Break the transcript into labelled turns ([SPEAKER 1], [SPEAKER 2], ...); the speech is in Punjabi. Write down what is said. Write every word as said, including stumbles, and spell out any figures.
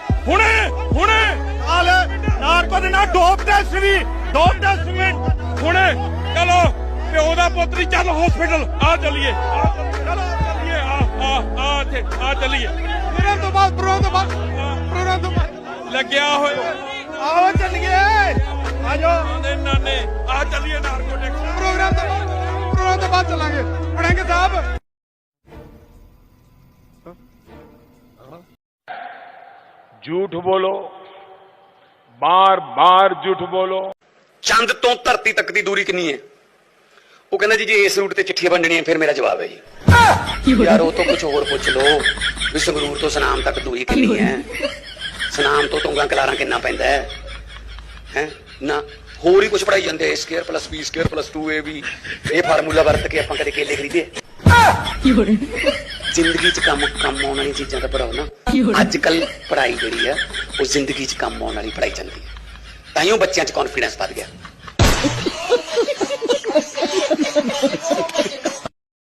[SPEAKER 1] ਹੁਣੇ ਹੁਣੇ
[SPEAKER 2] ਨਾਲ ਨਾਰਕੋ ਦੇ ਨਾਲ ਡੋਪ ਟੈਸਟ ਵੀ ਡੋਪ ਟੈਸਟ ਵੀ
[SPEAKER 1] ਹੁਣੇ ਚਲੋ ਪਿਓ ਦਾ ਪੁੱਤਰੀ ਚੱਲ ਹਸਪੀਟਲ ਆ ਚੱਲੀਏ ਆ ਚਲੋ ਚੱਲੀਏ ਆ ਆ ਆ ਇੱਥੇ ਆ ਚੱਲੀਏ
[SPEAKER 2] ਪ੍ਰੋਗਰਾਮ ਤੋਂ ਬਾਅਦ ਪ੍ਰੋਗਰਾਮ ਤੋਂ ਬਾਅਦ ਪ੍ਰੋਗਰਾਮ ਤੋਂ ਬਾਅਦ
[SPEAKER 1] ਲੱਗਿਆ ਹੋਇਆ
[SPEAKER 2] ਆਓ ਚੱਲੀਏ ਆਜੋ
[SPEAKER 1] ਆਂਦੇ ਨਾਨੇ ਆ ਚੱਲੀਏ ਨਾਰਕੋਟਿਕਸ
[SPEAKER 2] ਪ੍ਰੋਗਰਾਮ ਤੋਂ ਬਾਅਦ ਪ੍ਰੋਗਰਾਮ ਤੋਂ ਬਾਅਦ ਚੱਲਾਂਗੇ ਪੜਾਂਗੇ ਸਾਹਿਬ
[SPEAKER 3] झूठ बोलो बार बार झूठ बोलो
[SPEAKER 4] ਚੰਦ ਤੋਂ ਧਰਤੀ ਤੱਕ ਦੀ ਦੂਰੀ ਕਿੰਨੀ ਹੈ ਉਹ ਕਹਿੰਦਾ ਜੀ ਜੇ ਇਸ ਰੂਟ ਤੇ ਚਿੱਠੀਆਂ ਵੰਡਣੀਆਂ ਫਿਰ ਮੇਰਾ ਜਵਾਬ ਹੈ ਜੀ ਯਾਰ ਉਹ ਤੋਂ ਕੁਝ ਹੋਰ ਪੁੱਛ ਲਓ ਵੀ ਸੰਗਰੂਰ ਤੋਂ ਸਨਾਮ ਤੱਕ ਦੂਰੀ ਕਿੰਨੀ ਹੈ ਸਨਾਮ ਤੋਂ ਤੁੰਗਾ ਕਲਾਰਾਂ ਕਿੰਨਾ ਪੈਂਦਾ ਹੈ ਹੈ ਨਾ ਹੋਰ ਹੀ ਕੁਝ ਪੜਾਈ ਜਾਂਦੇ ਆ square plus B square plus two A ਵੀ ਇਹ ਫਾਰਮੂਲਾ ਵਰਤ ਕੇ ਆਪਾਂ ਕਦੇ ਕੇਲੇ ਖਰੀਦੇ ਜ਼ਿੰਦਗੀ 'ਚ ਕੰਮ ਕੰਮ ਆਉਣ ਵਾਲੀ ਚੀਜ਼ਾਂ ਦਾ ਪੜਾਓ ਨਾ ਅੱਜ ਕੱਲ ਪੜਾਈ ਜਿਹੜੀ ਆ ਉਹ ਜ਼ਿੰਦਗੀ 'ਚ ਕੰਮ ਆਉਣ ਵਾਲੀ ਪੜਾਈ ਚੱਲਦੀ ਹੈ ਤਾਂ ਹੀ ਉਹ ਬੱਚਿਆਂ 'ਚ ਕੌਨਫੀਡੈਂਸ ਵੱਧ ਗਿਆ